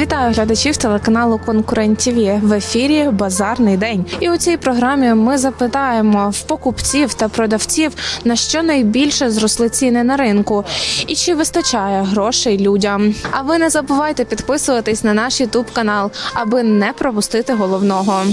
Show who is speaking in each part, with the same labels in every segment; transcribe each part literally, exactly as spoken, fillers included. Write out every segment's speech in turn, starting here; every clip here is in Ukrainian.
Speaker 1: Вітаю глядачів телеканалу Конкурент ТІВІ. В ефірі Базарний день. І у цій програмі ми запитаємо в покупців та продавців, на що найбільше зросли ціни на ринку і чи вистачає грошей людям. А ви не забувайте підписуватись на наш ютуб канал, аби не пропустити головного.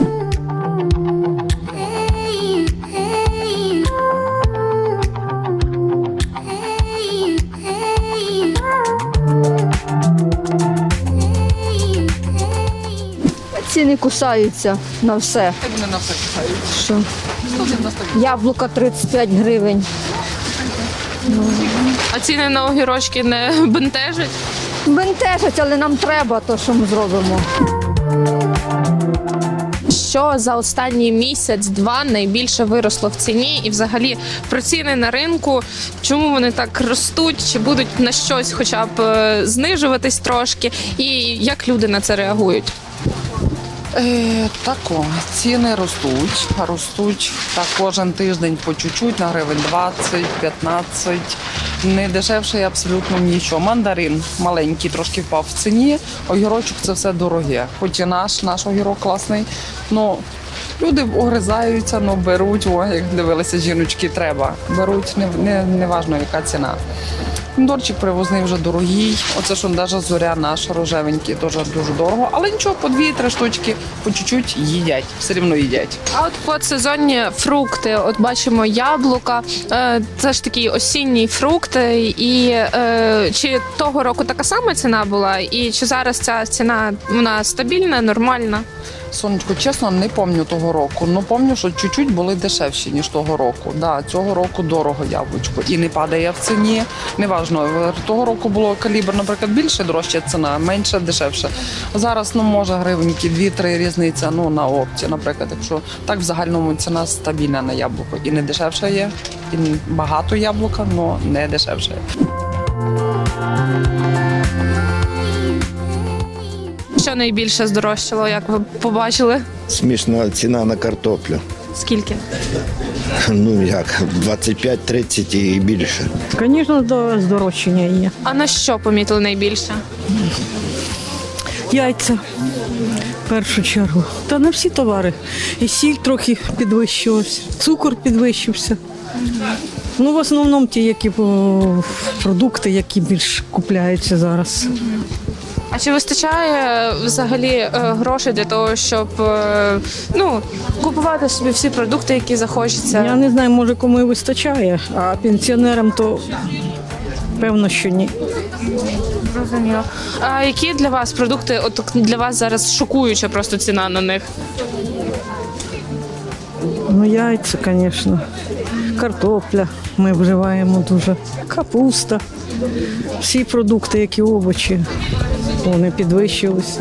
Speaker 2: Ціни кусаються на все.
Speaker 3: Як вони на все кусають?
Speaker 2: Що?
Speaker 3: сто дев'яносто вісім.
Speaker 2: Яблука тридцять п'ять гривень.
Speaker 1: А ціни на огірочки не бентежать?
Speaker 2: Бентежать, але нам треба, то що ми зробимо.
Speaker 1: Що за останній місяць-два найбільше виросло в ціні і взагалі про ціни на ринку, чому вони так ростуть, чи будуть на щось хоча б е, знижуватись трошки, і як люди на це реагують?
Speaker 3: Е, тако, ціни ростуть, ростуть так кожен тиждень по чуть-чуть, на гривень двадцять, п'ятнадцять. Не дешевше абсолютно нічого. Мандарин маленький трошки впав в ціні, огірочок це все дороге. Хоч і наш, наш огірок класний, ну люди огризаються, ну беруть, о, як дивилися жіночки, треба. Беруть, не, не, не важно яка ціна. Помідорчик привозний вже дорогий. Оце що навіть зоря наш рожевенький, теж дуже дорого. Але нічого, по дві-три штучки, по чуть-чуть їдять, все рівно їдять.
Speaker 1: А от подсезонні фрукти, от бачимо яблука, е, це ж такі осінні фрукти, і е, чи того року така сама ціна була, і чи зараз ця ціна, вона стабільна, нормальна?
Speaker 3: Сонечко, чесно, не пам'ятаю того року. Ну, пам'ятаю, що чуть-чуть були дешевші, ніж того року. Да, цього року дорого яблучко. І не падає в ціні. Неважно, того року було калібр, наприклад, більше дорожча ціна, менше дешевше. Зараз, ну, може, гривеньки, дві-три різниця, ну, на опті, наприклад. Якщо так, в загальному ціна стабільна на яблуко. І не дешевше є, і багато яблука, але не дешевше є.
Speaker 1: Що найбільше здорожчало, як ви побачили?
Speaker 4: Смішна ціна на картоплю.
Speaker 1: Скільки?
Speaker 4: Ну як, двадцять п'ять тридцять і більше.
Speaker 5: Звісно, до здорожчання є.
Speaker 1: А на що помітили найбільше?
Speaker 5: Яйця в першу чергу. Та на всі товари. І сіль трохи підвищилась, цукор підвищився. Ну, в основному ті, які о, продукти, які більш купляються зараз.
Speaker 1: А чи вистачає взагалі е, грошей для того, щоб е, ну, купувати собі всі продукти, які захочеться?
Speaker 5: Я не знаю, може кому і вистачає, а пенсіонерам то певно, що ні.
Speaker 1: Зрозуміло. А які для вас продукти, от для вас зараз шокуюча просто ціна на них?
Speaker 5: Ну, яйця, звісно. Картопля ми вживаємо дуже. Капуста. Всі продукти, які овочі, вони підвищилися.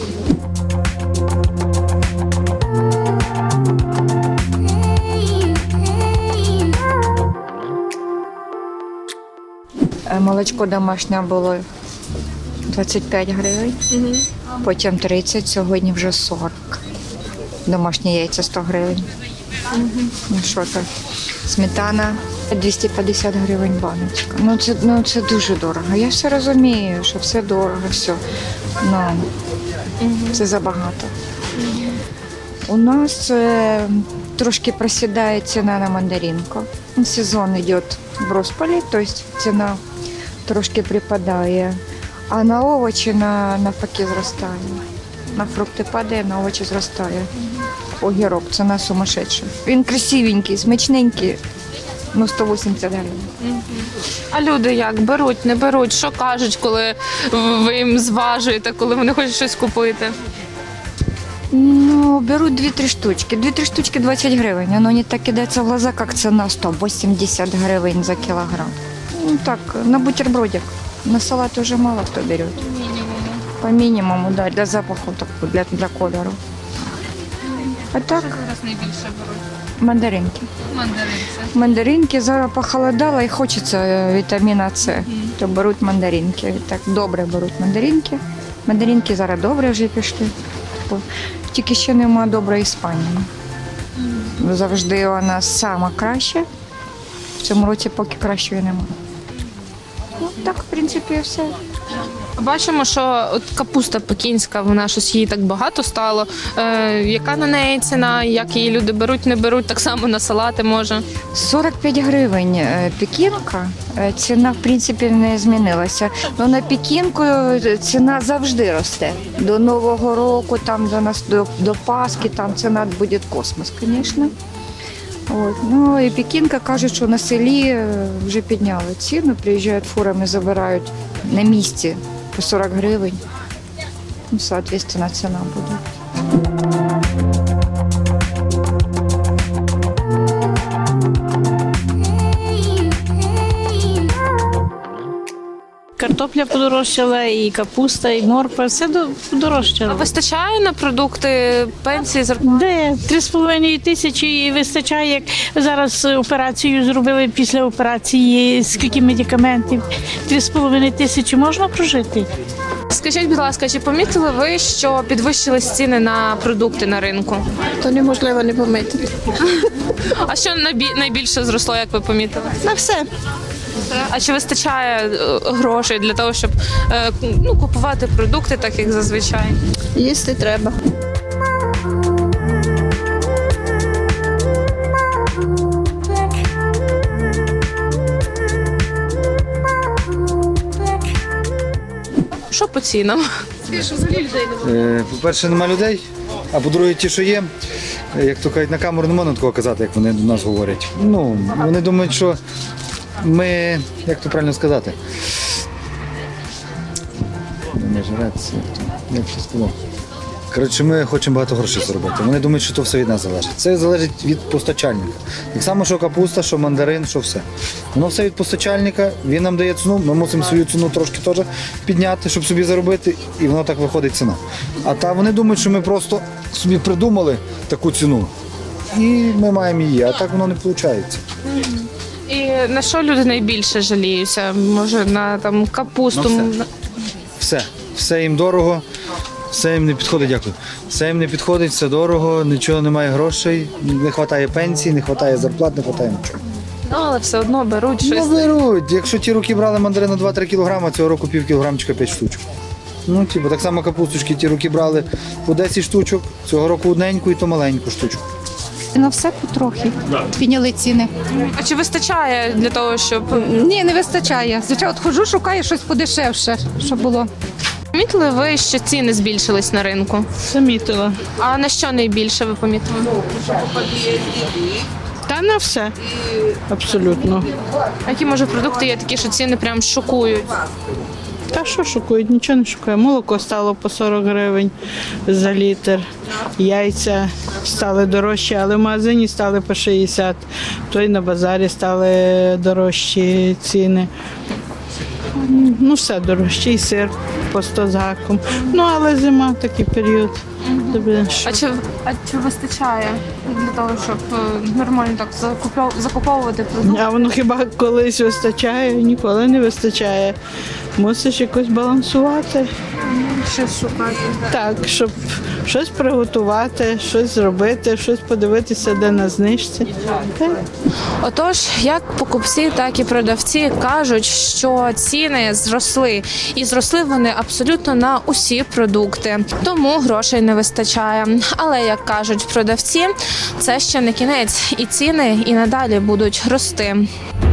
Speaker 6: Молочко домашнє було двадцять п'ять гривень, угу. Потім тридцять, сьогодні вже сорок. Домашні яйця сто гривень. Угу. Ну що так, сметана двісті п'ятдесят гривень баночка. Ну це, ну це дуже дорого. Я все розумію, що все дорого, все. Ну, угу. Це забагато. Угу. У нас е, трошки просідає ціна на мандаринку. Сезон йде в розпалі, тобто ціна трошки припадає, а на овочі на, навпаки зростає. На фрукти падає, на овочі зростає. Огірок, ціна сумасшедша. Він красивенький, смачненький, ну сто вісімдесят гривень.
Speaker 1: А люди як? Беруть, не беруть? Що кажуть, коли ви їм зважуєте, коли вони хочуть щось купити?
Speaker 6: Ну, беруть дві-три штучки. Дві-три штучки двадцять гривень. Воно не так кидається в глаза, як ціна сто вісімдесят гривень за кілограм. Ну так, на бутербродик. На салат уже мало хто бере. По мінімуму, да, для запаху, для, для кольору. А так?
Speaker 1: Що зараз найбільше беруть?
Speaker 6: Мандаринки.
Speaker 1: Мандаринці.
Speaker 6: Мандаринки, зараз похолодало і хочеться вітаміна С, mm. то беруть мандаринки. Так, добре беруть мандаринки. Мандаринки зараз добре вже пішли. Тільки ще нема доброї Іспанії. Mm. Завжди вона сама краща. В цьому році поки кращої немає. Ну так, в принципі, все.
Speaker 1: Бачимо, що от капуста пекінська, вона щось її так багато стало. Е, яка на неї ціна? Як її люди беруть, не беруть? Так само на салати може.
Speaker 6: сорок п'ять гривень е, пекінка. Е, Ціна, в принципі, не змінилася. Ну, на пекінку ціна завжди росте. До Нового року, там, до, нас, до, до Пасхи, там ціна буде космос, звісно. От. Ну, і пекінка кажуть, що на селі е, вже підняли ціну, приїжджають фурами, забирають на місці по сорок гривень. Ну, соответственно, ціна буде.
Speaker 7: Картопля подорожчала, і капуста, і морква, все до-
Speaker 1: А
Speaker 7: подорожчало.
Speaker 1: вистачає на продукти, пенсії, зарплати?
Speaker 7: Де? Три з половиною тисячі і вистачає, як зараз операцію зробили після операції, скільки медикаментів. Три з половиною тисячі можна прожити?
Speaker 1: Скажіть, будь ласка, чи помітили ви, що підвищились ціни на продукти на ринку?
Speaker 8: То неможливо не помітити.
Speaker 1: А що найбі- найбільше зросло, як ви помітили?
Speaker 8: На все.
Speaker 1: А чи вистачає е, грошей для того, щоб е, ну, купувати продукти, так як зазвичай?
Speaker 8: Їсти треба.
Speaker 1: Що по цінам?
Speaker 9: Е, По-перше, нема людей, а по-друге, ті, що є, е, як то кажуть, на камеру не можна такого казати, як вони до нас говорять. Ну, вони думають, що ми, як то правильно сказати, не жрець, як то, як це сказав. Коротше, ми хочемо багато грошей заробити. Вони думають, що то все від нас залежить. Це залежить від постачальника. Так само, що капуста, що мандарин, що все. Воно все від постачальника, він нам дає ціну, ми мусимо свою ціну трошки теж підняти, щоб собі заробити, і воно так виходить ціна. А та вони думають, що ми просто собі придумали таку ціну, і ми маємо її, а так воно не виходить.
Speaker 1: І на що люди найбільше жаліються? Може, на там капусту?
Speaker 9: На все. Все, все їм дорого, все їм не підходить, дякую. Все їм не підходить, все дорого, нічого немає грошей, не вистачає пенсій, не вистачає зарплат, не вистачає нічого.
Speaker 1: Ну, але все одно беруть
Speaker 9: Ну,
Speaker 1: щось.
Speaker 9: беруть. Якщо ті роки брали мандарину два-три кілограми, цього року пів кілограмчика п'ять штучок. Ну, типу, так само капусточки ті роки брали по десять штучок, цього року одненьку і то маленьку штучку.
Speaker 10: На все потрохи підняли ціни.
Speaker 1: А чи вистачає для того, щоб
Speaker 10: Ні, не вистачає. Звичайно, от ходжу, шукаю щось подешевше, щоб було.
Speaker 1: помітили ви, що ціни збільшились на ринку?
Speaker 7: Замітила.
Speaker 1: А на що найбільше ви помітили?
Speaker 7: Та на все. Абсолютно.
Speaker 1: А які може продукти є такі, що ціни прям шокують?
Speaker 7: Та що шокують? Нічого не шокує. Молоко стало по сорок гривень за літр. Яйця стали дорожчі, але в магазині стали по шістдесят. То й на базарі стали дорожчі ціни. Ну, все дорожче, і сир по сто з гаком. Ну, але зима такий період. Тобі що?
Speaker 1: А чи, а чи вистачає для того, щоб е, нормально так закупов- закуповувати продукти?
Speaker 7: А воно хіба колись вистачає? Ніколи не вистачає. Мусиш якось балансувати.
Speaker 1: Щось шукати.
Speaker 7: Так, щоб щось приготувати, щось зробити, щось подивитися, де на знижці. Так.
Speaker 1: Отож, як покупці, так і продавці кажуть, що ціни зросли, і зросли вони абсолютно на усі продукти, тому грошей не вистачає. Але як кажуть продавці, це ще не кінець, і ціни і надалі будуть рости.